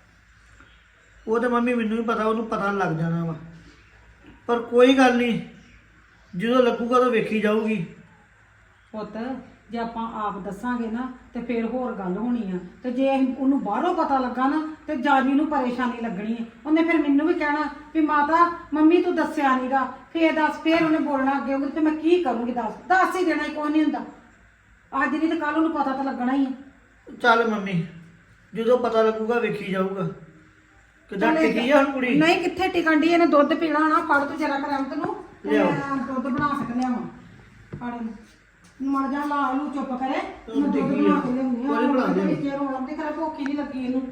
G: ਉਹ ਤਾਂ ਮੰਮੀ ਮੈਨੂੰ ਵੀ ਪਤਾ, ਉਹਨੂੰ ਪਤਾ ਲੱਗ ਜਾਣਾ ਵਾ। ਪਰ ਕੋਈ ਗੱਲ ਨਹੀਂ, ਜਦੋਂ ਲੱਗੂਗਾ ਤਾਂ ਵੇਖੀ ਜਾਊਗੀ।
C: ਪੁੱਤ ਜੇ ਆਪਾਂ ਆਪ ਦੱਸਾਂਗੇ ਨਾ ਤੇ ਫਿਰ ਹੋਰ ਗੱਲ ਹੋਣੀ ਆ, ਤੇ ਜੇ ਉਹਨੂੰ ਬਾਹਰੋਂ ਪਤਾ ਲੱਗਾ ਨਾ ਤੇ ਜਾਜੀ ਨੂੰ ਪਰੇਸ਼ਾਨੀ ਲੱਗਣੀ ਹੈ। ਉਹਨੇ ਫਿਰ ਮੈਨੂੰ ਵੀ ਕਹਿਣਾ ਵੀ ਮਾਤਾ ਮੰਮੀ ਤੂੰ ਦੱਸਿਆ ਨਹੀਂਗਾ, ਫੇਰ ਦੱਸ, ਫੇਰ ਉਹਨੇ ਬੋਲਣਾ ਅੱਗੇ ਉਹਨੂੰ ਤੇ ਮੈਂ ਕੀ ਕਰੂੰਗੀ? ਦੱਸ ਹੀ ਦੇਣਾ, ਕੋਈ ਨਹੀਂ ਹੁੰਦਾ। ਅੱਜ ਨਹੀਂ ਤੇ ਕੱਲ ਉਹਨੂੰ ਪਤਾ ਤਾਂ ਲੱਗਣਾ ਹੀ ਹੈ।
G: ਚੱਲ ਮੰਮੀ, ਜਦੋਂ ਪਤਾ ਲੱਗੂਗਾ ਵੇਖੀ ਜਾਊਗਾ। ਕਿੱਦਾਂ ਟਿਕੀ ਆ ਹੁਣ ਕੁੜੀ?
C: ਨਹੀਂ ਕਿੱਥੇ ਟਿਕਣ ਦੀ, ਇਹਨੇ ਦੁੱਧ ਪੀਣਾ ਨਾ। ਫੜ ਤੂੰ ਜਰਾ ਕਰ ਅੰਤ ਨੂੰ, ਤੇ
G: ਲਿਆਓ।
C: ਮੈਂ ਦੁੱਧ ਬਣਾ ਸਕ ਲਿਆਵਾਂ। ਫੜ ਇਹਨੂੰ, ਮਰ ਜਾ ਲਾ ਨੂੰ ਚੁੱਪ ਕਰੇ,
G: ਤੂੰ
C: ਮੈਂ ਦੁੱਧ
G: ਡਿੱਗੀ
C: ਬਣਾ
G: ਆ।
C: ਕੇ ਲਿਆਉਂਦੀ
G: ਕੋਈ ਬਣਾ ਦੇ।
C: ਜੇ ਰੋਣ ਦੀ ਕਰੇ ਭੁੱਖ ਹੀ ਨਹੀਂ ਲੱਗੀ ਇਹਨੂੰ।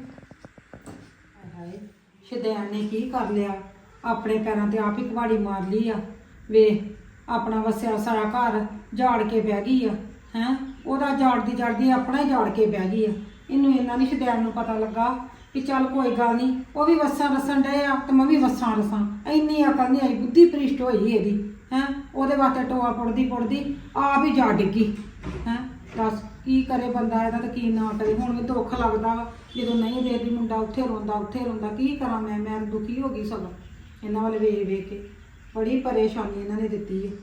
C: ਹਾਏ ਸ਼ੈਤਾਨ ਨੇ ਕੀ ਕਰ ਲਿਆ, ਆਪਣੇ ਪੈਰਾਂ ਤੇ ਆਪ ਹੀ ਕੁਹਾੜੀ ਮਾਰ ਲਈ ਆ। ਵੇ ਆਪਣਾ ਵਸਿਆ ਸਾਰਾ ਘਰ ਝਾੜ ਕੇ ਬਹਿ ਗਈ ਆ ਹੈ। ਉਹਦਾ ਝਾੜਦੀ ਆਪਣਾ ਹੀ ਝਾੜ ਕੇ ਬਹਿ ਗਈ ਆ। ਇਹਨੂੰ ਇੰਨਾ ਨਹੀਂ ਸ਼ੈਤਾਨ ਨੂੰ ਪਤਾ ਲੱਗਾ ਕਿ ਚੱਲ ਕੋਈ ਗੱਲ ਨਹੀਂ, ਉਹ ਵੀ ਵਸਾਂ ਰਸਣ ਡਏ ਆ ਤੇ ਮੈਂ ਵੀ ਵਸਾਂ ਰਸਾਂ। ਇੰਨੀ ਅਕਲ ਨਹੀਂ ਆਈ, ਬੁੱਧੀ ਭ੍ਰਿਸ਼ਟ ਹੋਈ ਇਹਦੀ ਹੈ। ਉਹਦੇ ਵਾਸਤੇ ਟੋਆ ਪੁੱਟਦੀ ਆਪ ਹੀ ਜਾ ਡਿੱਗੀ ਹੈ। ਦੱਸ ਕੀ ਕਰੇ ਬੰਦਾ ਇਹਦਾ, ਤਾਂ ਕੀ ਨਾ ਕਰੇ। ਹੁਣ ਵੀ ਦੁੱਖ ਲੱਗਦਾ ਵਾ ਜਦੋਂ ਨਹੀਂ ਦੇਖਦੀ, ਮੁੰਡਾ ਉੱਥੇ ਰੋਂਦਾ। ਕੀ ਕਰਾਂ ਮੈਂ ਦੁਖੀ ਹੋ ਗਈ ਸਗੋਂ ਇਹਨਾਂ ਵੱਲ ਵੇਖ ਕੇ। ਬੜੀ ਪਰੇਸ਼ਾਨੀ ਇਹਨਾਂ ਨੇ ਦਿੱਤੀ ਹੈ।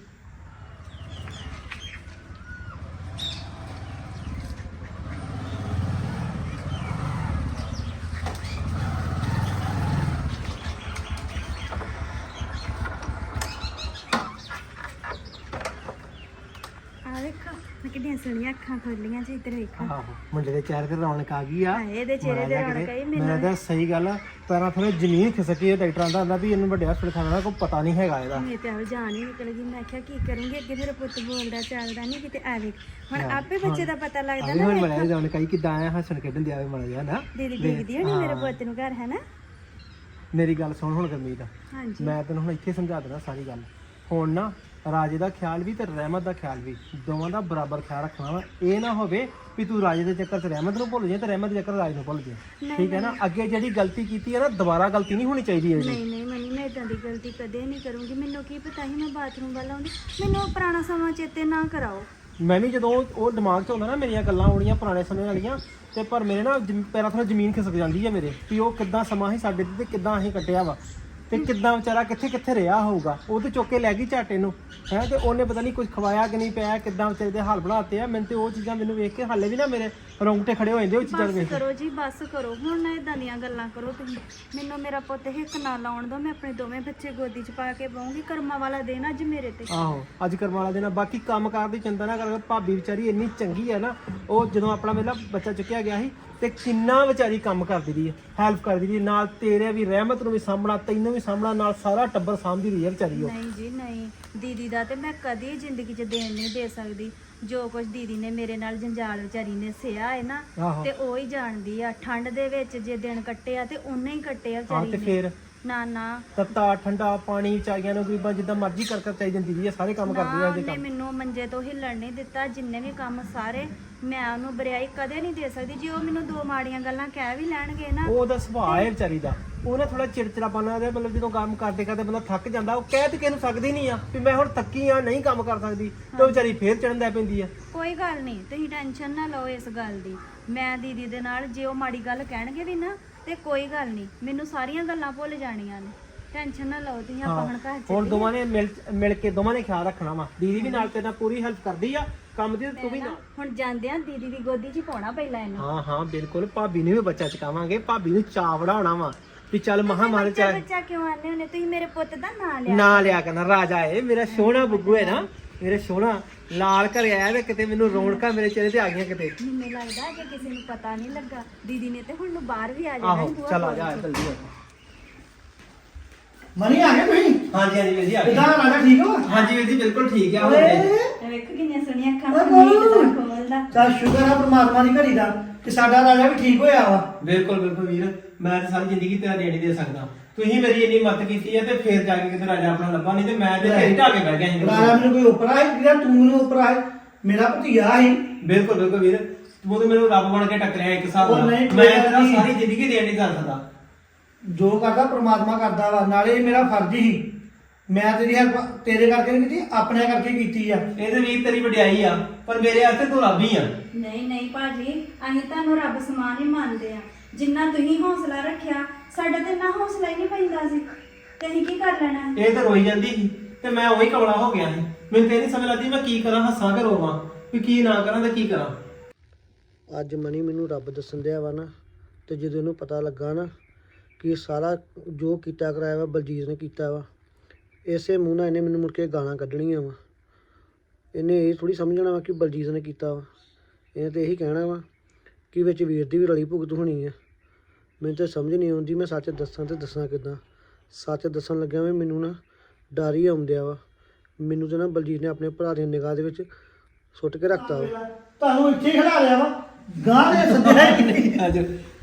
E: ਆ ਵੇਖੋ ਮੈਂ ਕਿੰਨੀਆਂ ਸੋਹਣੀਆਂ ਅੱਖਾਂ ਖੋਲੀਆਂ ਜੀ, ਇੱਧਰ ਵੇਖੋ।
F: ਆਹੋ ਮੁੰਡੇ ਦੇ ਚਿਹਰੇ ਤੇ ਰੌਣਕ ਆ ਗਈ ਆ।
E: ਹਾਏ ਇਹਦੇ ਚਿਹਰੇ ਤੇ ਰੌਣਕ ਆਈ
F: ਮੈਂ
E: ਮੈਨੂੰ।
F: ਤਾਂ ਸਹੀ ਗੱਲ ਆ, ਪੈਰਾਂ ਥੋੜੇ ਜ਼ਮੀਨ ਖਿਸਕੀ ਆ। ਡਾਕਟਰਾਂ ਦਾ ਆਂਦਾ ਵੀ ਇਹਨੂੰ ਵੱਡੇ ਹਸਪਤਾਲ ਖਾਣਾ ਦਾ ਕੋਈ ਪਤਾ ਨਹੀਂ ਹੈਗਾ ਇਹਦਾ।
E: ਮੇਰੇ ਤੇ ਆਵੇ ਜਾਨ ਹੀ ਨਿਕਲ ਗਈ। ਮੈਂ ਕਿਹਾ ਕੀ ਕਰੂੰਗੀ, ਅੱਗੇ ਮੇਰਾ ਪੁੱਤ ਬੋਲਦਾ ਚੱਲਦਾ ਨਹੀਂ ਕਿਤੇ ਆ ਵੇਖ। ਹੁਣ ਆਪੇ ਬੱਚੇ ਦਾ ਪਤਾ ਲੱਗਦਾ ਨਾ।
F: ਹੁਣ ਮੜਿਆ ਜਾਣ ਕਈ ਕਿਦਾਂ ਆਇਆ ਹੱਸਣ ਖੇਡਣ ਦੇ ਆਵੇ ਮੜ ਜਾ ਨਾ।
E: ਦੀਦੀ ਦੇਖਦੀ ਹੋਣੀ ਮੇਰੇ ਪੁੱਤ ਨੂੰ ਘਰ ਹੈ ਨਾ।
F: ਮੇਰੀ ਗੱਲ ਸੁਣ ਹੁਣ ਗੁਰਮੀਤ,
E: ਹਾਂਜੀ
F: ਮੈਂ ਤੈਨੂੰ ਹੁਣ ਇੱਥੇ ਸਮਝਾ ਦੇਣਾ ਸਾਰੀ ਗੱਲ। ਹੁਣ ਨਾ ਰਾਜੇ ਦਾ ਖਿਆਲ ਵੀ ਤੇ ਰਹਿਮਤ ਦਾ ਖਿਆਲ ਵੀ, ਦੋਵਾਂ ਦਾ ਬਰਾਬਰ ਖਿਆਲ ਰੱਖਣਾ ਵਾ। ਇਹ ਨਾ ਹੋਵੇ ਵੀ ਤੂੰ ਰਾਜੇ ਦੇ ਚੱਕਰ 'ਚ ਰਹਿਮਤ ਨੂੰ ਭੁੱਲ ਜਾਏ ਤੇ ਰਹਿਮਤ ਦੇ ਚੱਕਰ ਰਾਜ ਨੂੰ ਭੁੱਲ ਜਾਏ। ਠੀਕ ਹੈ ਨਾ? ਅੱਗੇ ਜਿਹੜੀ ਗਲਤੀ ਕੀਤੀ ਹੈ ਨਾ, ਦੁਬਾਰਾ ਗਲਤੀ ਨਹੀਂ ਹੋਣੀ ਚਾਹੀਦੀ ਹੈ ਜੀ।
E: ਨਹੀਂ ਮਨੀ, ਮੈਂ ਇਦਾਂ ਦੀ ਗਲਤੀ ਕਦੇ ਨਹੀਂ ਕਰੂੰਗੀ। ਮੈਨੂੰ ਕੀ ਪਤਾ ਸੀ ਮੈਂ ਬਾਥਰੂਮ ਵੱਲ ਆਉਂਦੀ। ਮੈਨੂੰ ਉਹ ਪੁਰਾਣਾ ਸਮਾਂ ਚੇਤੇ ਨਾ ਕਰਾਓ।
F: ਮੈਂ ਵੀ ਜਦੋਂ ਉਹ ਦਿਮਾਗ 'ਚ ਹੁੰਦਾ ਨਾ ਮੇਰੀਆਂ ਗੱਲਾਂ ਆਉਣੀਆਂ ਪੁਰਾਣੇ ਸਮੇਂ ਵਾਲੀਆਂ, ਤੇ ਪਰ ਮੇਰੇ ਨਾ ਪੈਰਾਂ ਥੋੜਾ ਜ਼ਮੀਨ ਖਿਸਕ ਜਾਂਦੀ ਹੈ ਮੇਰੇ, ਵੀ ਉਹ ਕਿੱਦਾਂ ਸਮਾਂ ਸੀ ਸਾਡੇ ਤੇ ਕਿੱਦਾਂ ਅਸੀਂ ਕੱਟਿਆ ਵਾ, ਤੇ ਕਿੱਦਾਂ ਵਿਚਾਰਾ ਕਿੱਥੇ ਰਿਹਾ ਹੋਊਗਾ। ਉਹ ਤੇ ਚੁੱਕ ਕੇ ਲੈ ਗਈ ਝਾਟੇ ਨੂੰ ਹੈ, ਤੇ ਉਹਨੇ ਪਤਾ ਨਹੀਂ ਕੁਝ ਖਵਾਇਆ ਕਿ ਨਹੀਂ ਪਿਆ, ਕਿੱਦਾਂ ਵਿਚਾਰੇ ਦੇ ਹਾਲ ਬਣਾਤੇ ਆ। ਮੈਨੂੰ ਤੇ ਉਹ ਚੀਜ਼ਾਂ ਮੈਨੂੰ ਵੇਖ ਕੇ ਹਾਲੇ ਵੀ ਨਾ ਮੇਰੇ ਰੌਂਗਟੇ ਖੜੇ ਹੋ ਜਾਂਦੇ ਉਹ ਚੀਜ਼ਾਂ
E: ਬਸ
F: ਵੇਖ ਕੇ।
E: ਕਰੋ ਜੀ, ਬਸ ਕਰੋ ਹੁਣ ਨਾ ਇਦਾਂ ਦੀਆਂ ਗੱਲਾਂ ਕਰੋ ਤੁਸੀਂ। ਮੈਨੂੰ ਮੇਰਾ ਪੁੱਤ ਹਿੱਕ ਨਾ ਲਾਉਣ ਦਿਓ। ਮੈਂ ਆਪਣੇ ਦੋਵੇਂ ਬੱਚੇ ਗੋਦੀ 'ਚ ਪਾ ਕੇ ਪਾਉਂਗੀ। ਕਰਮਾਂ ਵਾਲਾ ਦਿਨ ਅੱਜ ਮੇਰੇ ਤੇ।
F: ਆਹੋ ਅੱਜ ਕਰਮ ਵਾਲਾ ਦਿਨ। ਬਾਕੀ ਕੰਮ ਕਾਰ ਦੀ ਚਿੰਤਾ ਨਾ ਕਰ। ਭਾਬੀ ਵਿਚਾਰੀ ਇੰਨੀ ਚੰਗੀ ਹੈ ਨਾ, ਉਹ ਜਦੋਂ ਆਪਣਾ ਮੇਲਾ ਬੱਚਾ ਚੁੱਕਿਆ ਗਿਆ ਸੀ ਤੇ ਕਿੰਨਾ ਵਿਚਾਰੀ ਕੰਮ ਕਰਦੀ ਰਹੀ ਹੈ, ਹੈਲਪ ਕਰਦੀ ਰਹੀ ਨਾਲ। ਤੇਰੇ ਵੀ ਰਹਿਮਤ ਨੂੰ ਵੀ ਸਾਂਭਣਾ, ਤੈਨੂੰ ਵੀ ਸਾਂਭਣਾ, ਨਾਲ ਸਾਰਾ ਟੱਬਰ ਸਾਂਭਦੀ ਰਹੀ ਹੈ ਵਿਚਾਰੀ ਉਹ।
E: ਨਹੀਂ ਜੀ ਨਹੀਂ, ਦੀਦੀ ਦਾ ਤੇ ਮੈਂ ਕਦੀ ਜ਼ਿੰਦਗੀ 'ਚ ਦੇਣ ਨਹੀਂ ਦੇ ਸਕਦੀ। ਜੋ ਕੁਝ ਦੀਦੀ ਨੇ ਮੇਰੇ ਨਾਲ ਜੰਜਾਲ ਵਿਚਾਰੀ ਨੇ ਸਿਆ ਹੈ ਨਾ,
F: ਆਹੋ।
E: ਤੇ ਉਹ ਹੀ ਜਾਣਦੀ ਆ। ਠੰਡ ਦੇ ਵਿੱਚ ਜੇ ਦਿਨ ਕੱਟੇ ਆ ਤੇ ਉਹਨੇ ਹੀ ਕੱਟੇ ਆ
F: ਹਾਂ
E: ਵਿਚਾਰੀ
F: ਤੇ
E: ਨੇ।
F: ਫੇਰ
E: ਨਾ
F: ਤੱਤਾ ਠੰਡਾ ਪਾਣੀ ਵਿਚਾਰੀਆਂ ਨੂੰ ਗਰੀਬਾਂ ਜਿੱਦਾਂ ਮਰਜ਼ੀ ਕਰ ਚਾਹੀ ਜਾਂਦੀ ਰਹੀ ਹੈ, ਸਾਰੇ ਕੰਮ ਕਰਦੀ ਹੈ।
E: ਉਹਨੇ ਮੈਨੂੰ ਮੰਜੇ ਤੋਂ ਹਿੱਲਣ ਨਹੀਂ ਦਿੱਤਾ। ਜਿੰਨੇ ਵੀ ਕੰਮ ਸਾਰੇ ਮੈਂ ਉਹਨੂੰ ਬਰਿਆਈ ਕਦੇ ਨਹੀਂ ਦੇ ਸਕਦੀ। ਜੇ ਉਹ ਮੈਨੂੰ ਦੋ ਮਾੜੀਆਂ ਗੱਲਾਂ ਕਹਿ ਵੀ ਲੈਣਗੇ ਨਾ,
F: ਉਹਦਾ ਸੁਭਾਅ ਹੈ ਵਿਚਾਰੀ ਦਾ। ਉਹਨੇ ਥੋੜਾ ਚਿੜਚਿੜਾਪਨ ਉਹਦੇ, ਮਤਲਬ ਜਦੋਂ ਕੰਮ ਕਰਦੇ ਬੰਦਾ ਥੱਕ ਜਾਂਦਾ, ਉਹ ਕਹਿ ਤੇ ਕਿਸੇ ਨੂੰ ਸਕਦੀ ਨਹੀਂ ਆ ਵੀ ਮੈਂ ਹੁਣ ਥੱਕੀ ਆ, ਨਹੀਂ ਕੰਮ ਕਰ ਸਕਦੀ, ਤੇ ਉਹ ਵਿਚਾਰੀ ਫੇਰ ਚੜਨ ਲੱਗ ਪੈਂਦੀ ਆ।
E: ਕੋਈ ਗੱਲ ਨਹੀਂ, ਤੁਸੀਂ ਟੈਨਸ਼ਨ ਨਾ ਲਓ ਇਸ ਗੱਲ ਦੀ। ਮੈਂ ਦੀਦੀ ਦੇ ਨਾਲ ਜੇ ਉਹ ਮਾੜੀ ਗੱਲ ਕਹਿਣਗੇ ਵੀ ਨਾ, ਤੇ ਕੋਈ ਗੱਲ ਨਹੀਂ, ਮੈਨੂੰ ਸਾਰੀਆਂ ਗੱਲਾਂ ਭੁੱਲ ਜਾਣੀਆਂ ਨੇ। ਟੈਨਸ਼ਨ ਨਾ ਲਓ ਤੁਸੀਂ। ਆਪਾਂ ਹੁਣ ਘਰ
F: ਹੁਣ
E: ਚ
F: ਦੋਵਾਂ ਨੇ ਮਿਲ ਕੇ ਦੋਵਾਂ ਨੇ ਖਿਆਲ ਰੱਖਣਾ ਵਾ। ਦੀਦੀ ਵੀ ਨਾਲ ਤੇਰੇ ਨਾਲ ਪੂਰੀ ਹੈਲਪ ਕਰਦੀ ਆ ਕੰਮ ਦੀ, ਤੂੰ ਵੀ ਨਾਲ।
E: ਹੁਣ ਜਾਂਦੇ ਆ ਦੀਦੀ ਦੀ ਗੋਦੀ 'ਚ ਪਾਉਣਾ ਪਹਿਲਾਂ ਇਹਨੂੰ।
F: ਹਾਂ ਬਿਲਕੁਲ। ਭਾਬੀ ਨੂੰ ਵੀ ਬੱਚਾ ਚਕਾਵਾਂਗੇ, ਭਾਬੀ ਨੂੰ ਚਾਅ ਵੜਾਉਣਾ ਵਾ ਵੀ ਚੱਲ ਮਹਾ ਮਾਰੇ
E: ਬੱਚਾ ਕਿਉਂ ਆਨੇ ਹੁੰਦੇ ਤੁਸੀਂ? ਮੇਰੇ ਪੁੱਤ ਦਾ ਨਾਂ ਲਿਆ।
F: ਨਾ ਲਿਆ ਕਰਨਾ, ਰਾਜਾ ਏ ਮੇਰਾ ਸੋਹਣਾ ਬੁੱਗੂ ਹੈ ਨਾ, ਮੇਰੇ ਸੋਹਣਾ ਲਾਲ ਘਰੇ ਆਇਆ ਤੇ ਕਿਤੇ ਮੈਨੂੰ ਰੌਣਕਾਂ ਮੇਰੇ ਚਿਹਰੇ ਤੇ ਆ ਗਈਆਂ ਕਿਤੇ।
E: ਮੈਨੂੰ ਲੱਗਦਾ ਕਿ ਕਿਸੇ ਨੂੰ ਪਤਾ ਨਹੀਂ ਲੱਗਾ ਦੀਦੀ ਨੇ ਤੇ ਹੁਣ ਨੂੰ ਬਾਹਰ ਵੀ ਆ ਜਾਣਾ
F: ਆਹੋ ਚੱਲ ਆ ਜਾ ਜਲਦੀ ਆ।
G: ਮਨੀ ਆ ਗਏ ਤੁਸੀਂ?
F: ਹਾਂਜੀ ਹਾਂਜੀ ਵੀਰ ਜੀ ਆ ਗਏ।
G: ਕਿਦਾਂ ਰਾਜਾ ਠੀਕ ਹੋ?
F: ਹਾਂਜੀ ਵੀਰ ਜੀ ਬਿਲਕੁਲ ਠੀਕ ਆ।
G: ਓਏ
E: ਵੇਖ ਕਿੰਨੀਆਂ ਸੋਹਣੀਆਂ ਅੱਖਾਂ
G: ਓਏ
E: ਮੰਮੀ
G: ਬੋਲੂ।
E: ਕਿਦਾਂ ਖੋਲਦਾ।
G: ਚੱਲ ਸ਼ੁਕਰ ਆ ਪ੍ਰਮਾਤਮਾ ਦੀ ਘੜੀ ਦਾ ਕਿ ਸਾਡਾ ਰਾਜਾ ਵੀ ਠੀਕ ਹੋਇਆ ਵਾ।
F: ਬਿਲਕੁਲ ਬਿਲਕੁਲ ਵੀਰ, ਮੈਂ ਤਾਂ ਸਾਰੀ ਜ਼ਿੰਦਗੀ ਤੇਰਾ ਦੇਣ ਨਹੀਂ ਦੇ ਸਕਦਾ। ਤੁਸੀਂ ਮੇਰੀ ਇੰਨੀ ਮਦਦ ਕੀਤੀ ਹੈ ਤੇ ਫੇਰ ਜਾ ਕੇ ਕਿਤੇ ਰਾਜਾ ਆਪਣਾ ਲੱਭਾ, ਨਹੀਂ ਤੇ ਮੈਂ ਤੇ ਢੇਰੀ ਢਾ ਕੇ ਬਹਿ ਗਿਆ ਸੀ।
G: ਰਾਜਾ ਮੈਨੂੰ ਕੋਈ ਉਪਰਾ ਹੈ ਜਿਹੜਾ ਤੂੰ ਮੈਨੂੰ ਉਪਰਾ ਹੈ? ਮੇਰਾ ਭਤੀਆ ਸੀ।
F: ਬਿਲਕੁਲ ਬਿਲਕੁਲ ਵੀਰ, ਤੂੰ ਤੇ ਮੈਨੂੰ ਰੱਬ ਬਣ ਕੇ ਟੱਕਰਿਆ ਇੱਕ ਹਿਸਾਬ
G: ਉਹ
F: ਨਾਲ।
G: ਨਹੀਂ,
F: ਮੈਂ
G: ਕੋਈ ਗੱਲ
F: ਤੇਰਾ
G: ਨਹੀਂ।
F: ਸਾਰੀ ਜ਼ਿੰਦਗੀ ਦੇਣ ਨਹੀਂ ਕਰ ਸਕਦਾ।
G: ਜੋ ਕਰਦਾ ਪ੍ਰਮਾਤਮਾ ਕਰਦਾ ਵਾ। ਨਾਲੇ ਇਹ ਮੇਰਾ ਫਰਜ਼ ਹੀ, ਮੈਂ ਤੇਰੀ ਹੈਲਪ ਤੇਰੇ ਕਰਕੇ ਨਹੀਂ ਕੀਤੀ, ਆਪਣੇ ਕਰਕੇ ਕੀਤੀ ਆ।
F: ਇਹ ਤੇ ਵੀਰ ਤੇਰੀ ਵਡਿਆਈ ਆ, ਪਰ ਮੇਰੇ ਵਾਸਤੇ ਤੂੰ ਰੱਬ ਹੀ ਆ।
E: ਨਹੀਂ ਨਹੀਂ ਭਾਜੀ, ਅਸੀਂ ਤੁਹਾਨੂੰ ਰੱਬ ਸਮਾਨ ਹੀ ਮੰਨਦੇ ਆ। ਜਿੰਨਾ ਤੁਸੀਂ ਹੌਸਲਾ ਰੱਖਿਆ ਸਾਡਾ ਤੇ ਨਾ ਹੌਸਲਾ ਹੀ ਨਹੀਂ ਪੈਂਦਾ ਸੀ ਤੇ ਅਸੀਂ ਕੀ ਕਰ ਲੈਣਾ।
F: ਇਹ ਤਾਂ ਰੋਈ ਜਾਂਦੀ ਸੀ ਤੇ ਮੈਂ ਉਹੀ ਕਮਲਾ ਹੋ ਗਿਆ ਸੀ। ਮੈਨੂੰ ਤੇ ਨਹੀਂ ਸਮਝ ਲੱਗਦੀ ਮੈਂ ਕੀ ਕਰਾਂ, ਹੱਸਾਂ ਕਿ ਰੋਵਾਂ, ਵੀ ਕੀ ਨਾ ਕਰਾਂ ਤੇ ਕੀ ਕਰਾਂ।
G: ਅੱਜ ਮਨੀ ਮੈਨੂੰ ਰੱਬ ਦੱਸਣ ਦਿਆ ਵਾ ਨਾ, ਤੇ ਜਦੋਂ ਇਹਨੂੰ ਪਤਾ ਲੱਗਾ ਨਾ ਕਿ ਸਾਰਾ ਜੋ ਕੀਤਾ ਕਰਾਇਆ ਵਾ ਬਲਜੀਤ ਨੇ ਕੀਤਾ ਵਾ, ਇਸੇ ਮੂੰਹ ਨਾਲ ਇਹਨੇ ਮੈਨੂੰ ਮੁੜ ਕੇ ਗਾਲਾਂ ਕੱਢਣੀਆਂ ਵਾ। ਇਹਨੇ ਇਹ ਥੋੜੀ ਸਮਝਣਾ ਵਾ ਕਿ ਬਲਜੀਤ ਨੇ ਕੀਤਾ ਵਾ। ਇਹਨੇ ਤਾਂ ਇਹੀ ਕਹਿਣਾ ਵਾ ਕਿ ਵਿੱਚ ਵੀਰ ਦੀ ਵੀ ਰਲੀ ਭੁਗਤ ਹੋਣੀ ਆ। ਮੈਨੂੰ ਤਾਂ ਸਮਝ ਨਹੀਂ ਆਉਂਦੀ ਮੈਂ ਸੱਚ ਦੱਸਾਂ ਤੇ ਦੱਸਾਂ ਕਿੱਦਾਂ। ਸੱਚ ਦੱਸਣ ਲੱਗਿਆ ਵੀ ਮੈਨੂੰ ਨਾ ਡਰ ਹੀ ਆਉਂਦਿਆ ਵਾ। ਮੈਨੂੰ ਤਾਂ ਨਾ ਬਲਜੀਤ ਨੇ ਆਪਣੇ ਭਰਾ ਦੀ ਨਿਗਾਹ ਦੇ ਵਿੱਚ ਸੁੱਟ ਕੇ ਰੱਖਤਾ ਵਾ। ਤੁਹਾਨੂੰ ਇੱਥੇ ਖੜਾ ਲਿਆ ਵਾ, ਗਾਂ ਦੇ ਸੱਦਿਆ ਹੀ ਨਹੀਂ।
F: ਅੱਜ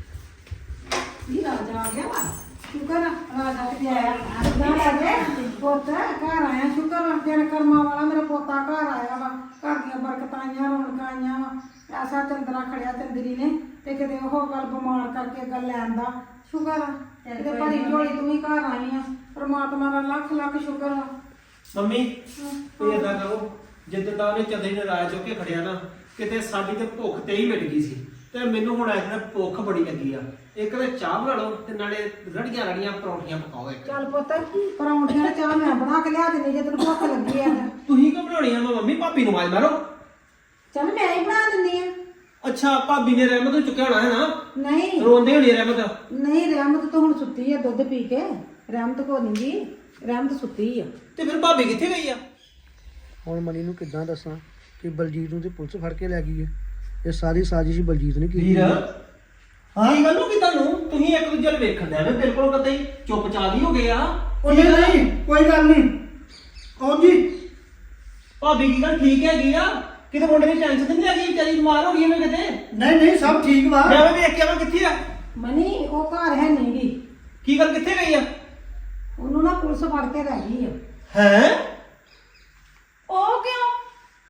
C: ਇਹ ਰਾਜਾ ਆ ਗਿਆ ਵਾ। ਸ਼ੁਕਰ ਆ ਰਾਜਾ ਕਿਤੇ ਆਇਆ। ਨਾ ਰਾਜੇ ਪੁੱਤ ਘਰ ਆਇਆ। ਸ਼ੁਕਰ ਆ ਤੇਰੇ ਕਰਮਾਂ ਵਾਲਾ ਮੇਰਾ ਪੋਤਾ ਘਰ ਆਇਆ ਵਾ। ਘਰ ਦੀਆਂ ਬਰਕਤਾਂ ਆਈਆਂ, ਰੌਣਕਾਂ ਆਈਆਂ ਵਾ। ਐਸਾ ਚੰਦਰਾ ਖੜਿਆ ਚੰਦਰੀ ਨੇ ਤੇ ਕਿਤੇ ਉਹ ਗੱਲ ਬਿਮਾਰ ਕਰਕੇ ਗੱਲ ਲੈਣ ਦਾ। ਸ਼ੁਕਰ ਆ ਕਿਤੇ ਭਰੀ ਝੋਲੀ ਤੂੰ ਹੀ ਘਰ ਆਈ ਆ। ਪ੍ਰਮਾਤਮਾ ਦਾ ਲੱਖ ਲੱਖ ਸ਼ੁਕਰ ਆ।
F: ਮੰਮੀ ਤੁਸੀਂ ਏਦਾਂ ਕਰੋ, ਜਿੱਦਾਂ ਦਾ ਉਹਨੇ ਚੰਦਰੀ ਨੇ ਰਾਜ ਚੁੱਕ ਕੇ ਖੜਿਆ ਨਾ, ਕਿਤੇ ਸਾਡੀ ਤੇ ਭੁੱਖ ਤੇ ਹੀ ਮਿਟ ਗਈ ਸੀ ਤੇ ਮੈਨੂੰ ਹੁਣ ਐ ਭੁੱਖ ਬੜੀ ਲੱਗੀ ਆ। ਇੱਕ ਤੇ ਚਾਹ ਬਣਾ ਲਓ ਤੇ ਨਾਲੇ ਰੜੀਆਂ ਰੜੀਆਂ ਪਰੌਂਠੀਆਂ ਪਕਾਓ ਇੱਕ।
C: ਚੱਲ ਪੁੱਤ ਪਰੌਂਠੀਆਂ ਦੀ ਚਾਹ ਮੈਂ ਬਣਾ ਕੇ ਲਿਆ ਦਿੰਦੀ ਜੇ ਤੈਨੂੰ ਭੁੱਖ ਲੱਗੀ ਆ ਤਾਂ।
F: ਤੁਸੀਂ ਕਿਉਂ ਬਣਾਉਣੀਆਂ ਵਾ ਮੰਮੀ? ਭਾਬੀ ਨੂੰ ਆਵਾਜ਼ ਮਾਰੋ।
C: ਚੱਲ ਮੈਂ ਹੀ ਬਣਾ ਦਿੰਦੀ ਆ।
F: ਅੱਛਾ ਭਾਬੀ ਨੇ ਰਹਿਮਤ ਨੂੰ ਚੁੱਕਿਆ ਹੋਣਾ ਹੈ ਨਾ,
C: ਨਹੀਂ
F: ਰੋਂਦੇ ਹੋਣੀ ਰਹਿਮਤ।
C: ਨਹੀਂ ਰਹਿਮਤ ਤਾਂ ਹੁਣ ਸੁੱਤੀ ਆ ਦੁੱਧ ਪੀ ਕੇ। ਰਹਿਮਤ ਕੋ ਨਹੀਂ ਜੀ, ਰਹਿਮਤ ਸੁੱਤੀ ਆ।
F: ਤੇ ਫਿਰ ਭਾਬੀ ਕਿੱਥੇ ਗਈ ਆ?
G: ਹੁਣ ਮਨੀ ਨੂੰ ਕਿੱਦਾਂ ਦੱਸਾਂ ਕਿ ਬਲਜੀਤ ਨੂੰ ਤੇ ਪੁਲਿਸ ਫੜ ਕੇ ਲੈ ਗਈ ਹੈ। ਇਹ ਸਾਰੀ ਸਾਜ਼ਿਸ਼ ਬਲਜੀਤ ਨੇ ਕੀਤੀ
F: ਵੀਰ
G: ਹੈ।
F: ਹਾਂ ਇਹ ਗੱਲ ਨੂੰ ਕਿ ਤੁਹਾਨੂੰ ਤੁਸੀਂ ਇੱਕ ਦੂਜੇ ਨੂੰ ਵੇਖਣ ਦੇ ਬਿਲਕੁਲ ਕਦੇ ਚੁੱਪਚਾਪ ਹੀ ਹੋ ਗਏ ਆ।
G: ਉਹ ਨਹੀਂ ਕੋਈ ਗੱਲ ਨਹੀਂ। ਕੌਣ ਜੀ?
F: ਭਾਬੀ ਕੀ ਗੱਲ ਠੀਕ ਹੈਗੀ ਆ? ਕਿਤੇ ਮੁੰਡੇ ਦੀ ਟੈਨਸ਼ਨ ਨਹੀਂ ਹੈਗੀ? ਵਿਚਾਰੀ ਬਿਮਾਰ ਹੋ ਗਈ ਮੈਂ ਕਿਤੇ।
G: ਨਹੀਂ ਨਹੀਂ ਸਭ ਠੀਕ ਵਾ।
F: ਮੈਂ ਵੀ ਵੇਖ ਕੇ ਆਵਾਂ ਕਿੱਥੇ ਆ।
C: ਮਨੀ ਉਹ ਘਰ ਹੈ ਨਹੀਂ ਗੀ।
F: ਕੀ ਗੱਲ ਕਿੱਥੇ ਗਈ ਆ?
C: ਉਹਨੂੰ ਨਾ ਪੁਲਿਸ ਫੜ ਕੇ ਲੈ ਗਈ ਆ।
F: ਹੈ
B: ਉਹ ਕਿਉਂ